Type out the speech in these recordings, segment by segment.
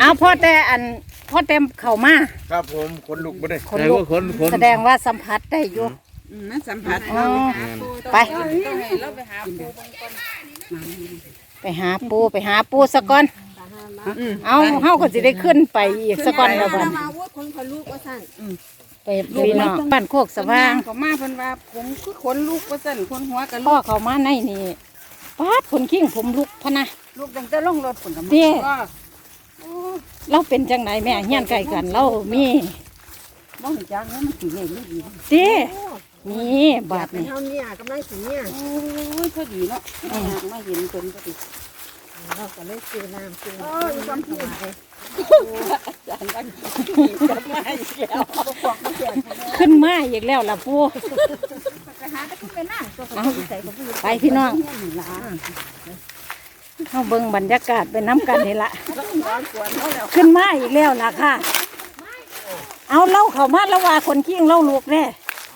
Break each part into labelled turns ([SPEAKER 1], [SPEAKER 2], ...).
[SPEAKER 1] เอาพ่อแต่พ่อเต็มเข่ามา
[SPEAKER 2] ครับผมขนลุกบ่ได้
[SPEAKER 1] คนลุกแสดงว่าสัมผัสได้อยู่
[SPEAKER 3] นั่นสัมผัส
[SPEAKER 1] ไป
[SPEAKER 3] ต้องให้เราไปหาปูบางคน
[SPEAKER 1] ไปหาปูสะก่อนเอาเฮาก็สิได้ขึ้นไปอีกสะก่อนแล้วบัด
[SPEAKER 4] มาว่าคนเขาลูกว่าสั่น
[SPEAKER 1] ไปพี่น้องบ้านโคกสว่าง
[SPEAKER 3] ก็มาเพิ่นว่าผมคือขนลูกว่าซั่นคนหัวกัน
[SPEAKER 1] พ่อเขามาในนี่ป๊าดคนขิ้งผมลุกพะนะ
[SPEAKER 3] ลูกตั้งแต่ลงรถผลกับ
[SPEAKER 1] เด้
[SPEAKER 3] ก็
[SPEAKER 1] เราเป็นจังไหนแม่เฮียนไกลกันเรามี
[SPEAKER 3] บ่รู้จักเนาะมันสิเล่นไม่ดี
[SPEAKER 1] เด้นี่บาด
[SPEAKER 4] เป็น
[SPEAKER 1] นี่
[SPEAKER 4] เท่านี้กำลังสีเนี่ย
[SPEAKER 3] โอ้ยพอดีเนาะมาเห็นเพิ่นพอดี
[SPEAKER 4] เราก็เลยซื้อน้ำซื้อ
[SPEAKER 3] โอ้ยความผิดอาจารย์ว่าจะมาอีกแล้ว
[SPEAKER 1] ขึ้นมาอีกแล้วล่ะปู
[SPEAKER 4] ไปหาแต่คุณไปนั่งตัวเขาใส่กับผู้
[SPEAKER 1] ไปพี่น้อง
[SPEAKER 3] หลาน
[SPEAKER 1] เข้าเบิ่งบรรยากาศไปน้ำกันนี่ละ
[SPEAKER 3] แล้วก็ร้อนกวนเขาแล้ว
[SPEAKER 1] ขึ้นมาอีกแล้วล่ะค่ะ เอาเล่าเขามาแล้วว่าคนขิ้งเล่าลูกแน่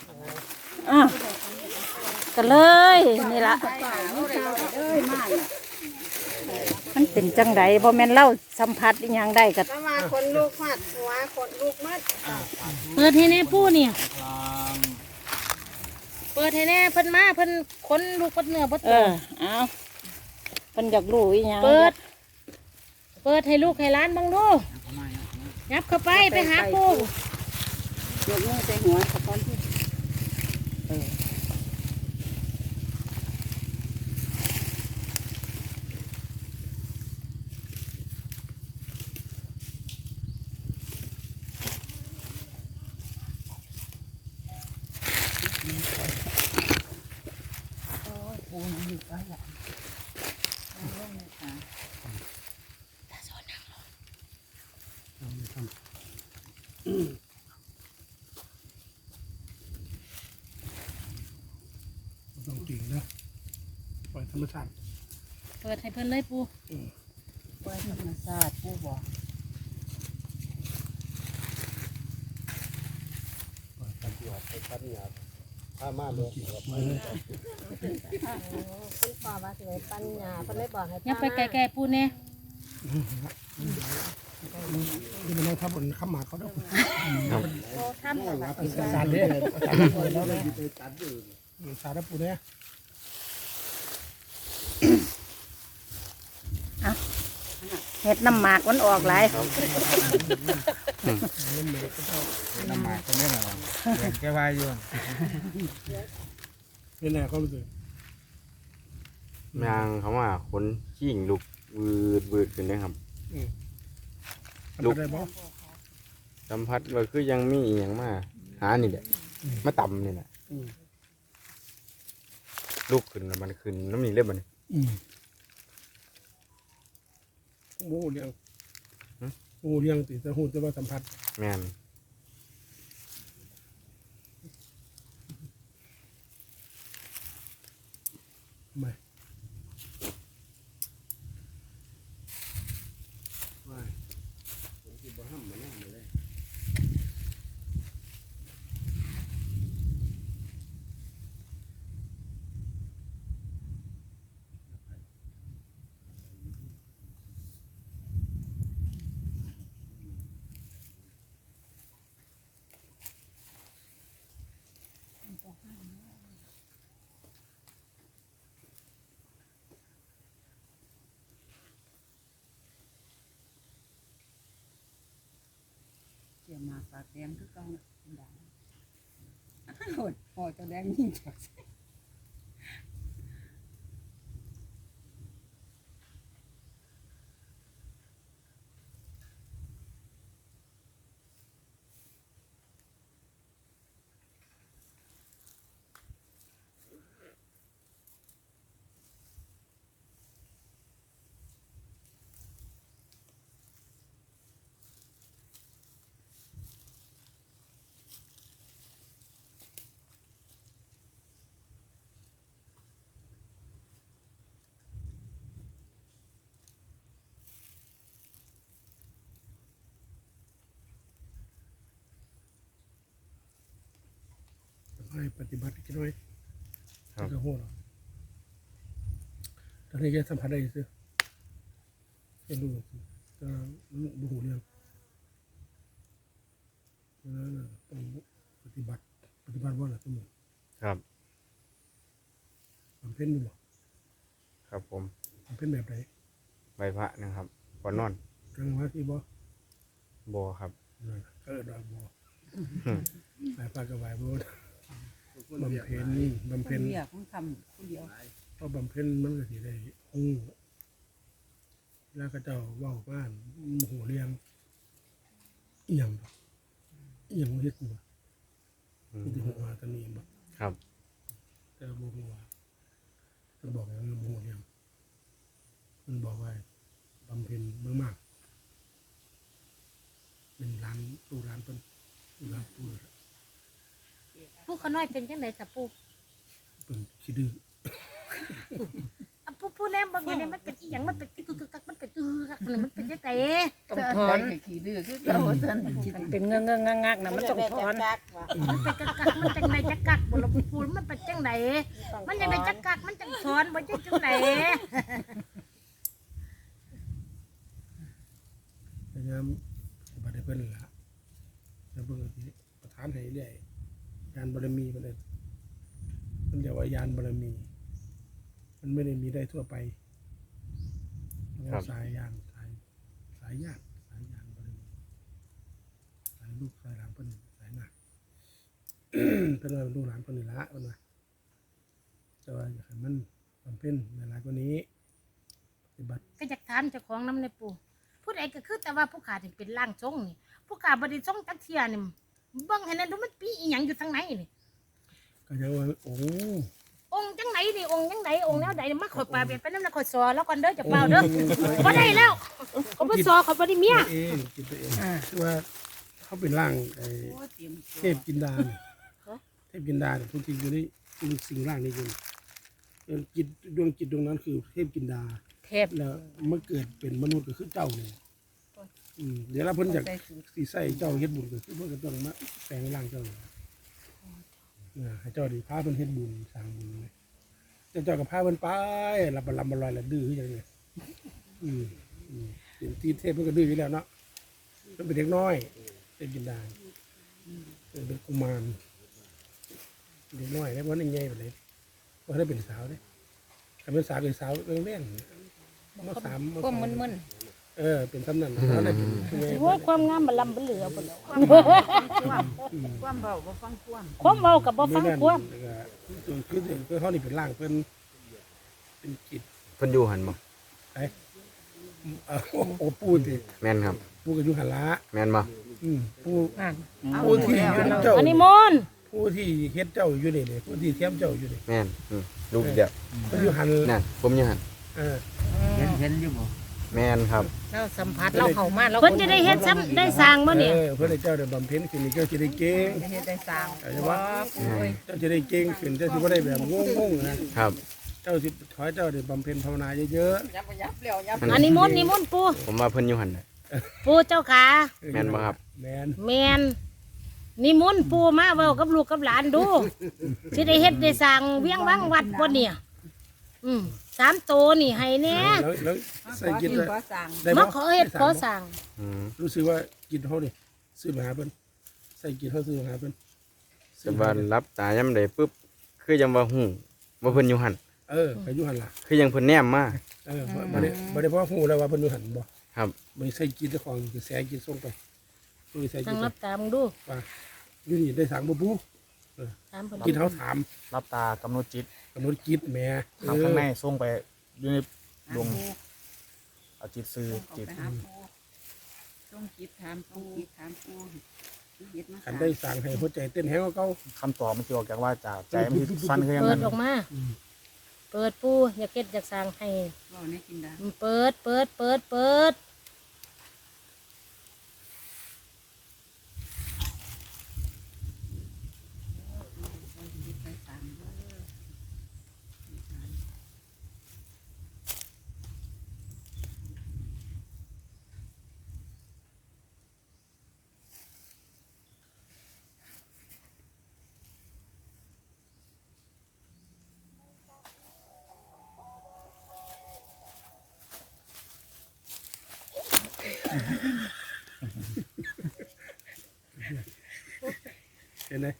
[SPEAKER 1] ก็เลยนี่ละ
[SPEAKER 3] เอ้ยมาเนี่ย
[SPEAKER 1] มันเป็นจังไดบ่แม่นเล่าสัมผัสอีหยังได้ก็
[SPEAKER 4] แล้วมาคนลูกมัดหัวคนลูกมัด
[SPEAKER 5] เปิดให้แน่ปูเนี่ยเปิดให้แน่เพิ่นมาเพิ่นค้นลูกเพิ่นเนื้อเพิ่น
[SPEAKER 1] เอาเพิ่นอยากรู้อีหยัง
[SPEAKER 5] เปิดให้ลูกให้หล้านบังดูยับเข้าไปไปหาปู
[SPEAKER 3] ยกมือใส่หัวกับคนที่
[SPEAKER 2] ต้องจริงนะปล่อยธรรมชาติ
[SPEAKER 5] เปิดให้เพิ่นเลยปู
[SPEAKER 3] ปล่อยธรรมชาติผู้บอก
[SPEAKER 2] ปล่อยกันที่ออกไปพัดหยาบถ้ามาเลย
[SPEAKER 4] คุณพ่อว่าสิไปปัญญาเพิ่นเลยบอกให้
[SPEAKER 5] ยับไปไกลๆปูเนี่ย
[SPEAKER 2] นี่มันต้องทับบนข้ามหมาเขาด้วย
[SPEAKER 4] โตทำแบบ
[SPEAKER 2] สารเนี่ยสารปูเนี่ย
[SPEAKER 1] เฮ็ดน้ำหมากมันออกหลาย
[SPEAKER 2] น้ำหมากคนนี้หน่อยแกวายอยู่นี่แหละเขารู้สึก
[SPEAKER 6] ยางเขาว่าขนขี้งลุกวืดขึ้นเลยครับ
[SPEAKER 2] ลูกได้บ่
[SPEAKER 6] สัมผัสว่าคือยังมีอหย่างมาหานี่แหละมาต่ำนี่แหละลุกขึ้นแล้วมันขึ้นน้ำนี่เรียบมัน
[SPEAKER 2] โอ้เลี้ยงโอ้เลี้ยงติแต่หูแต่ว่าสัมผัส
[SPEAKER 6] แม่น
[SPEAKER 2] ไม่ไม่ผมคิดว่าห้ามมันนั่งเลย
[SPEAKER 3] เกี่ยวมาปากแดงคือเก่าดังโหดพอจะแดงยิ่งจัก
[SPEAKER 2] ให้ปฏิบัติกันด้วยจะโหดตอนนี้แกสัมผัสได้ซื้อให้ดูก็บูหูเรื่องนั้นต้องปฏิบัติว่าอะไรสมุน
[SPEAKER 6] ครับ
[SPEAKER 2] มันเพ่นอยู่หรอ
[SPEAKER 6] ครับผม
[SPEAKER 2] มันเพ่นแบบไหน
[SPEAKER 6] ใบพระนะครับก่อนนอน
[SPEAKER 2] กลางวันที่บ่
[SPEAKER 6] บ่ครับ
[SPEAKER 2] นั่นก็เออดอกบ่ไหวปลากระไหวบ่บำเพ็ญ
[SPEAKER 3] คนเดียวของทำคนเดียว
[SPEAKER 2] เพราะบำเพ็ญมันก็สิได้ฮู้แล้วก็เจ้าเว้าบ้านหูเรียงอีหยังเฮ็ดกูบ่
[SPEAKER 6] อืม
[SPEAKER 2] ที่หัวตอนนี้บ่
[SPEAKER 6] ครับ
[SPEAKER 2] แต่บ่ฮู้ว่ามันบอกอย่างนั้นบ่ฮู้เรียงมันบอกว่าบำเพ็ญมากๆเป็นร้านตู้ร้านเพิ่นร้านตู้
[SPEAKER 5] ผู้เขาน้อยเป็นจังได๋จ้ะปู่
[SPEAKER 2] เพิ่นขี้ดื้อ
[SPEAKER 5] อ่ะผู้แนมบางอย่างเนี่ยมันเป็นอีหยังมันเป็นกึกกักมันเป็นกักมันเป็นจังได๋
[SPEAKER 1] ต้องถอน
[SPEAKER 3] ขี้ดื้อคือเก่าซั่น
[SPEAKER 1] มันเป็นเงื้องักๆนะมันต้องถอน
[SPEAKER 5] มันเป็นกักมันจังไดจักกักบ่ล่ะปู่มันเป็นจังไดมันจังไดจักกักมันจังสอนบ่จังจังได
[SPEAKER 2] พยายามปฏิบัติให้เพิ่นล่ะแล้วเพิ่นก็สิประทานให้เรื่อยยานบารมีเพิ่นเอิ้นมันเรียกว่ายานบารมี มันไม่ได้มีได้ทั่วไปสายยานสายญาติสายยานบารมีสายลูกสายหลานเพิ่นสายหนัก เพิ่นว่าลูกหลานเพิ่นนี่ละเพิ่นว่าแต่ว่าอยากให้มันบำเพ็ญหลายๆกว่านี้ปฏิบัติ
[SPEAKER 5] ก็อยากถามเจ้าของนำในปู่ผู้ใดก็คือแต่ว่าผู้ขาที่เป็นร่างทรงนี่ผู้ขาบ่ได้ทรงจักเที่ยนี่เบิ่งให้นั่นดูมันปีอีหยังอยู่ทางไหนนี่
[SPEAKER 2] ก็จะว่าโอ้
[SPEAKER 5] องค์จังไหนนี่องค์จังไหนองค์แนวใดมาขอยปลาเป็นไปนำแล้วขอยสอแล้วก่อนเด้อจะเปล่าเด้อบ่ได้แล้วเขาบ่สอเขาบ่ได้เมีย
[SPEAKER 2] ตัวเองกินตัวเองคือว่าเขาเป็นร่างไอ้
[SPEAKER 3] โอ้เตรียม
[SPEAKER 2] เทพกินดาเนี่ยเทพกินดาเนี่ยทุกทีอยู่ในสิ่งร่างนี้อยู่จิตดวงจิตดวงนั้นคือเทพกินดา
[SPEAKER 1] เทพ
[SPEAKER 2] แล้วเมื่อเกิดเป็นมนุษย์ก็คือเจ้าเนี่ยเดี๋ยวเราเพิ่นจาก
[SPEAKER 3] ใส่สูตร
[SPEAKER 2] สีใส่เจ้าเฮ็ดบุญก็คือเพิ่นก็ต้องมาแปลงร่างเจ้าเนี่ยให้เจ้าดีพาเพิ่นเฮ็ดบุญสร้างบุญเลยแต่เจ้าก็พาเพิ่นไปลำบลอยละดื้อคือจังไงเป็นที่เทพเพิ่นก็ดื้ออยู่แล้วเนาะเพิ่นเป็นเด็กน้อยเทพกินดาเป็นกุมารเด็กน้อยแล้ววันนี้ใหญ่ไปเลยว่าได้เป็นสาวเด้ถ้าเป็นสาวเป็นสาวเล่นๆมาสาม
[SPEAKER 1] พวกมึน
[SPEAKER 2] เป็นสำนักแล้วได้เป็นผู้ใหญ่
[SPEAKER 5] โอ้ยความงามมันลำบ่เหลือบ่แล้ว
[SPEAKER 3] ความเบาบ่ฟังความ
[SPEAKER 5] ความเว้ากับบ่ฟังความ
[SPEAKER 2] คือเขานี่เป็นร่างเป็นจิต
[SPEAKER 6] เพิ่นอยู่หันบ่
[SPEAKER 2] โอ้ปูติ
[SPEAKER 6] แม่นครับ
[SPEAKER 2] ปูกับยุหันละ
[SPEAKER 6] แม่นบ่
[SPEAKER 2] ปู
[SPEAKER 1] อ่าน
[SPEAKER 2] ปูที่เฮ็ดเจ้า
[SPEAKER 5] อันนี้มนต์
[SPEAKER 2] ผู้ที่เฮ็ดเจ้าอยู่นี่นี่ผู้ที่เทียมเจ้าอยู่นี่
[SPEAKER 6] แม่นลูกเดียว
[SPEAKER 2] ก็ยุหัน
[SPEAKER 6] นั่นผมอยู่หัน
[SPEAKER 3] เห็นอยู่บ่
[SPEAKER 6] แม่นครับ
[SPEAKER 1] เราสัมผัสเราเข้ามาเรา
[SPEAKER 5] เพิ่นจะได้เฮ็ดซ้ำได้สร้างบ่เนี่ย
[SPEAKER 2] เพื่อให้เจ้าได้บำเพ็ญขึ้นนี่เจ้าจะได้เก่ง
[SPEAKER 3] เฮ็ดได้สร้าง
[SPEAKER 2] เข้าใจว่าเจ้าจะได้เก่งขึ้นเจ้าสิบ่ได้แบบงงๆนะครับ เจ้าสิขอให้เจ้าได้บำเพ็ญภาวนาเยอะ
[SPEAKER 3] ยับแล้วยับ
[SPEAKER 5] อันนี้มนต์นี่มนต์ปู่
[SPEAKER 6] ผมว่าเพิ่นอยู่หันน่ะ
[SPEAKER 5] ปู่เจ้าขา
[SPEAKER 2] ๆ
[SPEAKER 6] แม่นบ่ครับ
[SPEAKER 2] แม่น
[SPEAKER 5] แม่นนิมนต์ปู่มาเว้ากับลูกกับหลานดูสิได้เฮ็ดได้สร้างเวียงวังวัดบ่เนี่ย3โตนี่ให้แน่
[SPEAKER 2] แล้วใส่จิต
[SPEAKER 3] ก็สร้าง
[SPEAKER 2] ได้
[SPEAKER 5] มา
[SPEAKER 2] บ่
[SPEAKER 5] ขอเฮ็ดขอสร้าง
[SPEAKER 6] อืม
[SPEAKER 2] รู้สึกว่าจิตเฮานี่ซื้อมาหาเพิ่นใส่จิตเฮาซื้อมาหาเพิ่น
[SPEAKER 6] แต่ว่ารับตายามใดปุ๊บคือยังว่าฮู้ว่าเพิ่นอยู่หัน
[SPEAKER 2] ไปอยู่หันล่ะ
[SPEAKER 6] คือยังเพิ่นแนมมา
[SPEAKER 2] บ่ได้เพราะฮู้แล้วว่าเพิ่นอยู่หันบ่
[SPEAKER 6] ครับ
[SPEAKER 2] บ่ใส่จิตเจ้าของคือแสงจิตส่งไปบ่ใส่จิ
[SPEAKER 5] นั่
[SPEAKER 2] ต
[SPEAKER 5] งรับตามึงดู
[SPEAKER 2] ว่าอยู่นี่ได้สังบ่ปู
[SPEAKER 5] ถามเพิ่น
[SPEAKER 2] จิตเฮาถาม
[SPEAKER 7] รับตากำหนดจิต
[SPEAKER 2] กำหนดจิตแหม่
[SPEAKER 7] ทางข้างในส่งไปอยู่ในดวงเอาจิตซื้อ
[SPEAKER 3] จิ
[SPEAKER 7] จิ
[SPEAKER 3] ต
[SPEAKER 7] ต
[SPEAKER 3] หาปูต้องจิตถามปูถามปูเฮ็ดมา
[SPEAKER 2] คันได้สั่งให้หัวใจเต้นแฮงกว่าเก่า
[SPEAKER 7] คำตอบมันจะออกจากว่าจากใจมันสิสั้นขึ้นอย่าง
[SPEAKER 5] เปิ
[SPEAKER 7] นั้
[SPEAKER 5] ด
[SPEAKER 7] น
[SPEAKER 5] ออกมาเปิดปู่อยากเฮ็ดอยากสร้างให้
[SPEAKER 3] ก็ในกินดา
[SPEAKER 5] เปิดเปิดเปิดเปิด
[SPEAKER 2] เห็นไหม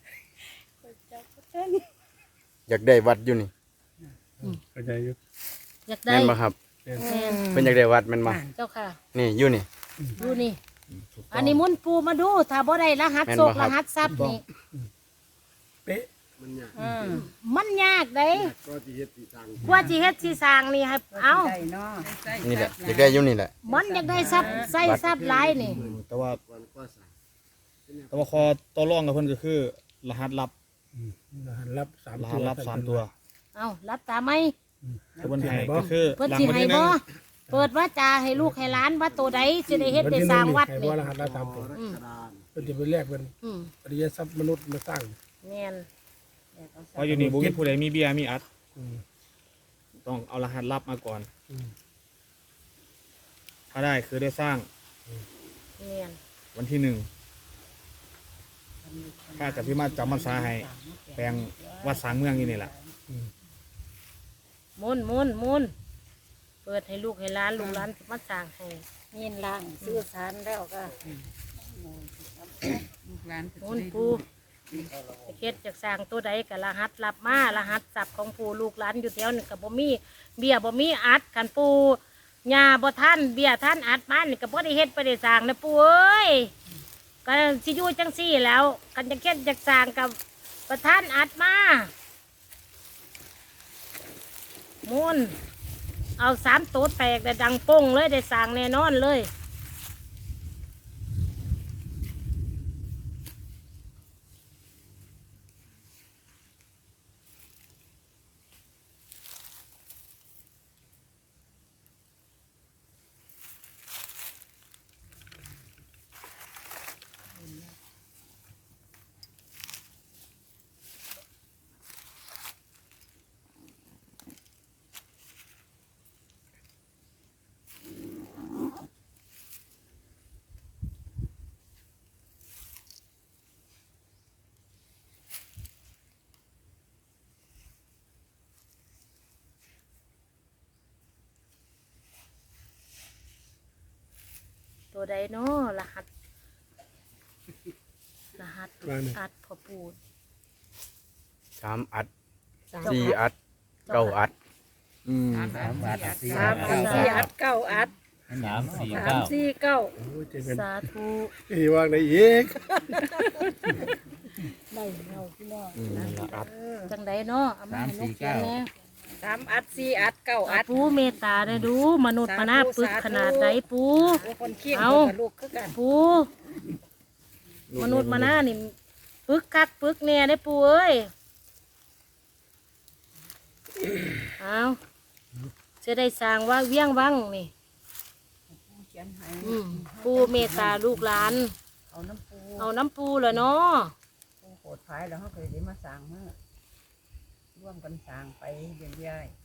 [SPEAKER 6] อยากได้วัดอยู่นี่
[SPEAKER 2] เข้าใจอยู่
[SPEAKER 5] อยากได้
[SPEAKER 6] แม่นบ่ครับ
[SPEAKER 5] แม่น
[SPEAKER 6] เพิ่นอยากได้วัดแม่นบ่
[SPEAKER 5] เจ้าค่ะ
[SPEAKER 6] นี่อยู่นี่
[SPEAKER 5] ดูนี่ อันนี้มุนปูมาดูถ้าบ่ได้รหัส
[SPEAKER 6] แม่น
[SPEAKER 5] โศ
[SPEAKER 6] บ่
[SPEAKER 5] ก
[SPEAKER 6] ครั
[SPEAKER 5] ร
[SPEAKER 6] บ
[SPEAKER 5] หัสทรัพย์นี่
[SPEAKER 2] เป๊ะ
[SPEAKER 5] มันยากเด้กว่าสิเฮ็ดสิสร้างนี่ให้เอา
[SPEAKER 3] ได้เนาะ
[SPEAKER 6] นี่แหละอยากได้อยู่นี่แหละ
[SPEAKER 5] มันอยากได้ทรัพย์ใส่ทรัพย์หลายนี่
[SPEAKER 7] แต่ว่าคอต่อรองกับเพิ่นก็คือ รหัสลับ
[SPEAKER 2] รหัสลับสาม
[SPEAKER 7] ร
[SPEAKER 2] ตั
[SPEAKER 7] หั
[SPEAKER 2] ว
[SPEAKER 7] สลับ3ตัว
[SPEAKER 5] เอารับตาไหม
[SPEAKER 7] ที่เพิ่นให้ก็คือ
[SPEAKER 5] เพิ่น
[SPEAKER 7] หลัง
[SPEAKER 5] สิ
[SPEAKER 7] วัน
[SPEAKER 5] ให้
[SPEAKER 7] ที่หนึ่
[SPEAKER 5] บ่
[SPEAKER 7] ง
[SPEAKER 5] เปิดว่าจาให้ลูกให้หลานว่าตัวใดสิได้เฮ็ดได้สร้างวัด
[SPEAKER 2] ให้
[SPEAKER 5] นี่
[SPEAKER 2] ว่ารหัสลับสามตัว
[SPEAKER 5] อืม
[SPEAKER 2] เป็นจะไปแลกเป็น
[SPEAKER 5] อืม
[SPEAKER 2] อริยทรัพย์มนุษย์มาสร้าง
[SPEAKER 5] แม่น
[SPEAKER 7] เพราะอยู่นี่บ่มีผู้ใดมีเบียร์มีอัด
[SPEAKER 2] อืม
[SPEAKER 7] ต้องเอารหัสลับมาก่อน
[SPEAKER 2] อืม
[SPEAKER 7] ถ้าได้คือได้สร้าง
[SPEAKER 5] แม่น
[SPEAKER 7] วันที่1ข้ากับพี่มาจำพรรษาให้แปลงวัดสร้างเมืองอยู่นี่แหละ
[SPEAKER 5] มุนเปิดให้ลูกให้หลานลูกหลานสิมาสร้างให้
[SPEAKER 1] ยินล่างซื้อสารแล้วก็
[SPEAKER 3] ลูกหลาน
[SPEAKER 5] มุนปูเฮ็ดจากสร้างตัวใดก็รหัสรับมารหัสทรัพย์ของปู่ลูกหลานอยู่แถวนี่ก็บ่มีเบี้ยบ่มีอัดคันปู่ย่าบ่ทันเบี้ยทันอัดมานี่ก็บ่ได้เฮ็ดบ่ได้สร้างนะปู่เอ้ยก็สิอยู่จังซี่แล้วกันจะเฮ็ดจากสร้างกับประธานอัดมามุนเอา3ตัวแตกได้ดังโป้งเลยได้สร้างแน่นอนเลย ตัวใดเนาะรหัสอัดพอปูด
[SPEAKER 6] 3อัด4อัด9อัด
[SPEAKER 1] 3 4 อัด 9 อัด 3 4 9
[SPEAKER 2] โอ้ยเจ๊เป็น
[SPEAKER 5] สาธุ
[SPEAKER 2] ที่ว่างได้อีก
[SPEAKER 5] ได้เราพี่น้อง
[SPEAKER 6] นั่นละอัด
[SPEAKER 5] จังใดเนาะเอามาให้ลูกเขียนแน่
[SPEAKER 1] 3 อัด 4 อัด 9 อัด
[SPEAKER 5] ปูเมตตาได้ดูมนุษย์มนาปึกขนาดใดปู
[SPEAKER 1] คนเคียง
[SPEAKER 5] เอา
[SPEAKER 1] กับลูกคือกัน
[SPEAKER 5] ปูมนุษย์มนานี่ปึกคักปึกแน่ได้ปูเอ้ยเอาจะได้สร้างว่าเวียงวังนี่
[SPEAKER 3] เขียนให้
[SPEAKER 5] ปูเมตตาลูกหลาน
[SPEAKER 3] เอาน้ำปู
[SPEAKER 5] เอาน้ำปูเหรอเนาะ
[SPEAKER 3] ปูโหดท้ายแล้วเขาเคยได้มาสร้างมาร่วมกันสร้างไปเรื่อย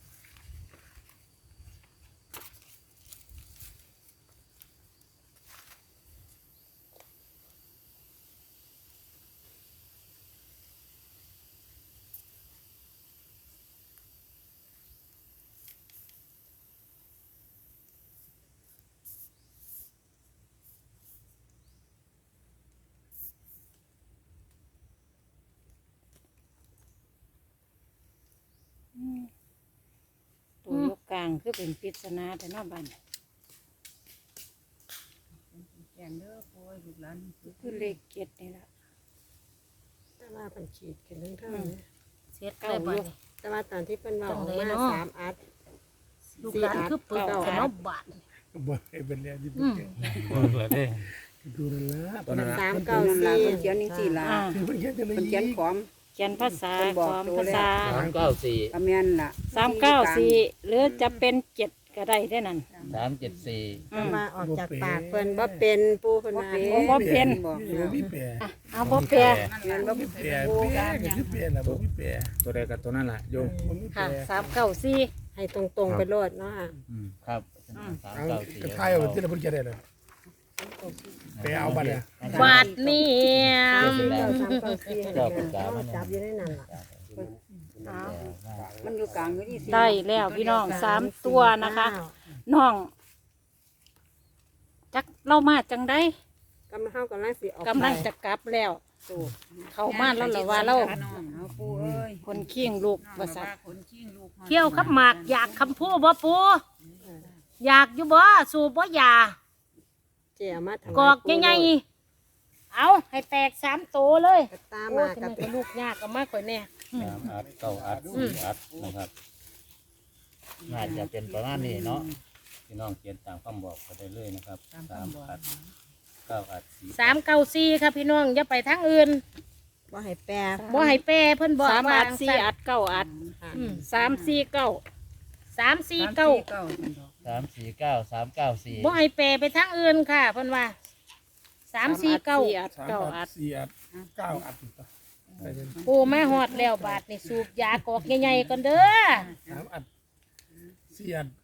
[SPEAKER 1] ตัวยกกลางคือเป็นปริศนาแต่นอกบ้าน
[SPEAKER 3] ๆแกงเด้อปูลูกหลาน
[SPEAKER 1] คือเลขเจ็ดนี่ละ
[SPEAKER 8] แต่ว่าเป็นขีดกันเรื่องเท่า
[SPEAKER 5] เสร็จได้บ่นี่
[SPEAKER 8] แต่ว่าตอนที่เป็นเราออก
[SPEAKER 5] จังเลย
[SPEAKER 8] มา
[SPEAKER 5] เนาะ
[SPEAKER 8] 3 อัด
[SPEAKER 5] ลูกหลานคือปึกกันเนาะบาด
[SPEAKER 2] บ่ให้เป็นแล้วที่
[SPEAKER 5] อืม
[SPEAKER 2] ดูนั่นละ
[SPEAKER 7] ตอนนั้นล่ะ
[SPEAKER 8] 3
[SPEAKER 3] นั่นล่ะเพิ่น
[SPEAKER 8] 9
[SPEAKER 3] เขียนจังซี่ล่ะ
[SPEAKER 2] คือมันเขียนจังได๋
[SPEAKER 3] เพิ่นเขียนขอม
[SPEAKER 1] เขียนภาษา
[SPEAKER 3] เป็นบอก
[SPEAKER 1] ความ
[SPEAKER 3] ตัว
[SPEAKER 1] ภา
[SPEAKER 3] เลย
[SPEAKER 1] ษา
[SPEAKER 3] ก็แม่นล่ะ
[SPEAKER 1] 394หรือจะเป็น7ก็ได้ได้นั่น
[SPEAKER 8] 4แต่ว่าออกจากปากเพิ่นบ่เป็นปูเพิ่นว่า
[SPEAKER 1] บ่เป็น
[SPEAKER 3] บอก
[SPEAKER 2] บ่มีแปร
[SPEAKER 1] เอาบ่แปล
[SPEAKER 3] แม่นบ่
[SPEAKER 2] บ่มีแปรแปรก็คือแปรล่ะบ่มีแปร
[SPEAKER 7] ตัวใดกับตัวนั้นล่ะโยม
[SPEAKER 2] บ่มีแปร
[SPEAKER 1] ค่ะ394
[SPEAKER 8] ให้ตรงๆไปโลดเนาะค่ะ
[SPEAKER 6] ครับ
[SPEAKER 2] เอากระทายเอาที่เราเพิ่นเขียนได้เลยไปเอาบัตรเนี่ย
[SPEAKER 5] บาดนี่
[SPEAKER 8] 394จับอยู่ในนั้นล่ะ
[SPEAKER 3] มันอยู่กลางอยู่นี่สิ
[SPEAKER 1] ได้แล้วพี่น้อง3ตัวนะคะน้องจักเรามาจังได้
[SPEAKER 8] กำลังสิออก
[SPEAKER 1] กำลังจะกลับแล้วเข้ามาแล้วเหรอว่าเรา
[SPEAKER 3] น้องเอาปูเอ้ย
[SPEAKER 1] คนเคียงลูก
[SPEAKER 3] น้อง
[SPEAKER 1] ว่าสัต
[SPEAKER 3] ว่า
[SPEAKER 1] ว์
[SPEAKER 3] คนขี้งลูก
[SPEAKER 5] เที่ยวขับหมากอยากคำพูดบ่ปูอยากอยู่บ่สูบบ่อยา
[SPEAKER 8] เจียมาทำ
[SPEAKER 5] กอกใหญ่ๆเอาให้แตก3 โตเลย
[SPEAKER 8] ก็ตาม
[SPEAKER 5] โอ้
[SPEAKER 8] มา
[SPEAKER 5] ทำ
[SPEAKER 8] กั
[SPEAKER 5] ไม
[SPEAKER 8] บ
[SPEAKER 5] ก็ลูกยากก็มากกว่าแน่
[SPEAKER 7] 3 อัด 9 อัด 4 อัดนะครับน่าจะเป็นประมาณนี้เนาะพี่น้องเขียนตามคำบอกก็ได้เลยนะครับ3 อัด 9 อัด
[SPEAKER 5] 394ค่ะพี่น้องอย่าไปทางอื่น
[SPEAKER 8] บ่ให้แปร
[SPEAKER 5] บ่ให้แปรเพิ่นบอก
[SPEAKER 1] 3
[SPEAKER 5] ว่า
[SPEAKER 1] อัด4 อัด 9 อัด
[SPEAKER 5] อืม
[SPEAKER 1] 3 4 9
[SPEAKER 5] 349
[SPEAKER 7] 3 4 9 3 9 4
[SPEAKER 5] บ่ให้แปรไปทางอื่นค่ะเพิ่นว่า349
[SPEAKER 2] 3 อัด 4 อัด 9 อัดไปเลย
[SPEAKER 5] โอ้มาฮอดแล้วบาดนี่สูบยากอกใหญ่ๆก่อนเด้อ
[SPEAKER 2] 3 อัด 4 อัด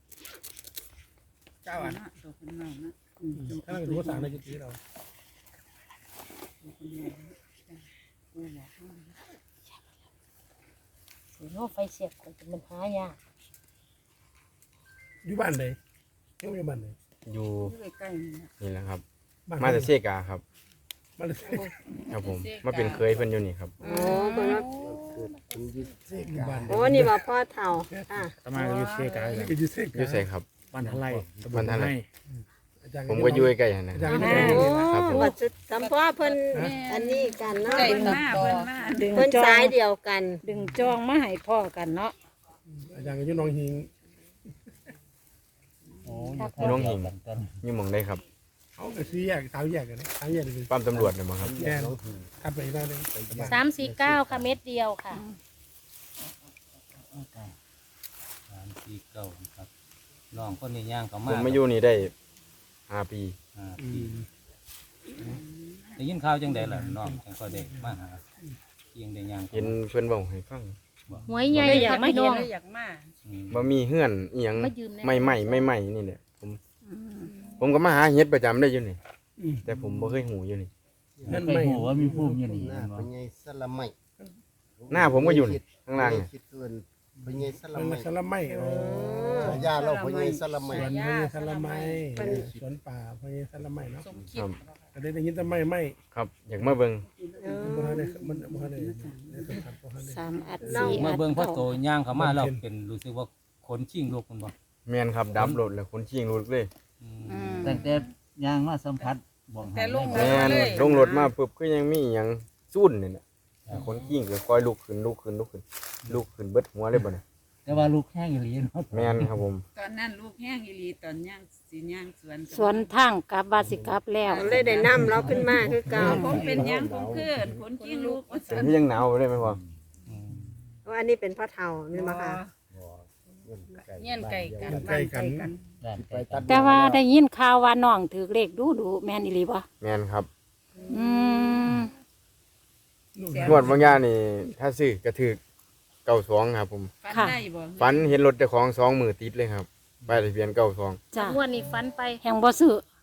[SPEAKER 2] 9 อัดถ้าเราดูภาษาในจิตเรา
[SPEAKER 5] สิโนไฟเสียบก็จะมันหายาก
[SPEAKER 2] อยู่บ้านไหนยังอยู่บ้านไหน
[SPEAKER 6] อยู่
[SPEAKER 3] ใกล้ๆนี่นะ
[SPEAKER 6] นี่แหละครับ
[SPEAKER 2] บ้าน
[SPEAKER 6] มาจากเซกาครับ
[SPEAKER 2] มาเลย
[SPEAKER 6] ครับผมมาเป็นเคยเพิ่นอยู่นี่ครับ
[SPEAKER 8] โอ้เพิ่นว่า
[SPEAKER 2] อยู่บ้าน
[SPEAKER 8] โอ้นี่ว่าพ่อเฒ่าอ่ะ
[SPEAKER 7] ตมาก็อยู่เซกา
[SPEAKER 2] นี่ก็อยู่เซก
[SPEAKER 6] อยู่ไสครับ
[SPEAKER 7] บ้านทะไล
[SPEAKER 6] บ้านทะไล
[SPEAKER 2] อาจารย์
[SPEAKER 6] ผมก็อยู่ใกล้ๆหั่นนะ
[SPEAKER 2] อาจารย์ก็
[SPEAKER 6] ครับผม
[SPEAKER 8] ว่าจะทำพ่อเพิ่นอันนี้กันเนาะ
[SPEAKER 3] เพิ่นมาเพิ่นมา
[SPEAKER 1] ดึง
[SPEAKER 8] เพิ่น
[SPEAKER 1] จอ
[SPEAKER 8] สาง ยเดียวกัน
[SPEAKER 1] ดึงจองมาให้พ่อกันเนาะ
[SPEAKER 2] อาจารย์ก็อยู่น้องหิง
[SPEAKER 7] โอ้
[SPEAKER 6] อยู่น้องหิงอยู่หม่องได้ครับ
[SPEAKER 2] เขาก็ซื้อแยกทางแยกกันทางแยกเลย
[SPEAKER 6] ปั๊มตำรวจเนี่ยบ่ครับ
[SPEAKER 2] แย่ถัดไปอีกหน้าหนึง
[SPEAKER 5] 349ค่ะเม็ดเดียวค่ะ
[SPEAKER 9] 3 4 9ครับน้องคนนี้ย่างเขา
[SPEAKER 6] ผม
[SPEAKER 9] าม
[SPEAKER 6] มาอยู่นี่ได้5 ปี
[SPEAKER 9] ได้ยินข่าวจังไดล่ะน้องจังก็ได้มาหาเพียงได้ย่าง
[SPEAKER 6] เห็นเพิ่นเว้าให้ฟัง
[SPEAKER 5] หวยใหญ่
[SPEAKER 1] อยา
[SPEAKER 5] ค่ะ
[SPEAKER 1] กมา
[SPEAKER 5] พี่น้
[SPEAKER 1] เห็
[SPEAKER 5] อน ง
[SPEAKER 3] อยากมา
[SPEAKER 6] บ่มีเฮือนอีหยัง
[SPEAKER 5] มายืมแน่
[SPEAKER 6] ใหม่ๆนี่แหละผมก็มาหาเฮ็ดประจำได้อยู่นี่ แต่ผมบ่เคยหูอยู่นี่
[SPEAKER 2] นั่น
[SPEAKER 7] ไม่
[SPEAKER 2] ไม่
[SPEAKER 7] หูว่ามีภูมิอยู่นี่
[SPEAKER 10] หน้าเป็นไงสละไม่
[SPEAKER 6] หน้าผมก็อยู่นี่ข้างล่างนี่
[SPEAKER 10] คิดเกินเป็นไงสละ
[SPEAKER 2] มัน
[SPEAKER 10] ไม่
[SPEAKER 2] สลัมไม่อ๋อ
[SPEAKER 10] ยาเราเป็นไงสละ
[SPEAKER 2] ส
[SPEAKER 10] ไม่
[SPEAKER 2] วนพญสลัมไม่สวนป่าพญสลัมไม่เนาะ
[SPEAKER 6] ครับ
[SPEAKER 2] ก็ได้ยินแต่ไม่
[SPEAKER 6] ครับอยากมาเบิ่ง
[SPEAKER 2] บ่ทันได้มันบ่ทันได้สัมผัสบ่ทันได้
[SPEAKER 1] 3 อัด 4
[SPEAKER 9] มา
[SPEAKER 1] อัด
[SPEAKER 9] เบิ่งพ่อโต
[SPEAKER 1] 9
[SPEAKER 9] ย่างเขามาแล้วเป็นรู้สึกว่าขนชิงลูกมันบ่
[SPEAKER 6] แม่นครับดับรถแล้วคนชิงรถเลย
[SPEAKER 1] อืม
[SPEAKER 7] ตั้งแต่ย่างมาสัมผัสบอก
[SPEAKER 3] แต่ลง
[SPEAKER 6] แม่นลงรถมาปุ๊บก็ยังมีอีหยังซุ่นนี่น่ะคนชิงก็คอยลุกขึ้นเบิดหัวเลยบ่เนี่ย
[SPEAKER 7] แต่ว่าลูกแห้งอยู่ลีเนาะ
[SPEAKER 6] แม่นครับผม
[SPEAKER 3] ตอนนั้นลูกแห้งอีหลีตอนย่างสิย่างสวน
[SPEAKER 1] สวนทางกลับว่าสิกลับแล้ว
[SPEAKER 8] เลยได้นำเราขึ้นมาคือเก่า
[SPEAKER 3] ผมเป็นย่างผมขึ้นคนขี้งลูกว่า
[SPEAKER 6] เป็นที่ยังหนาวเลยไหมพ่อ
[SPEAKER 8] ว่าอันนี้เป็นพ่อเฒ่าแม่นบ่ค่ะ
[SPEAKER 3] เงี้ยนไก่กัน
[SPEAKER 2] ใกล้กัน
[SPEAKER 7] ด้าน
[SPEAKER 10] ไป
[SPEAKER 7] ไกล
[SPEAKER 10] ตัด
[SPEAKER 1] แต่ว่าได้ยินข่าวว่าน้องถือเลขดูแม่นอีหลีบ่
[SPEAKER 6] แม่นครับ
[SPEAKER 1] อืม
[SPEAKER 6] งวดบางอย่างนี่ถ้าซื้อก็ถือ92ครับผม
[SPEAKER 3] ฟันได้บ่
[SPEAKER 6] ฝันเห็นรถเจ้าของ2 มือติดเลยครับป้ายทะเบียน92
[SPEAKER 1] จ้ะ
[SPEAKER 5] งวดนี้ฝันไป
[SPEAKER 1] แห่งบ่ซื้อ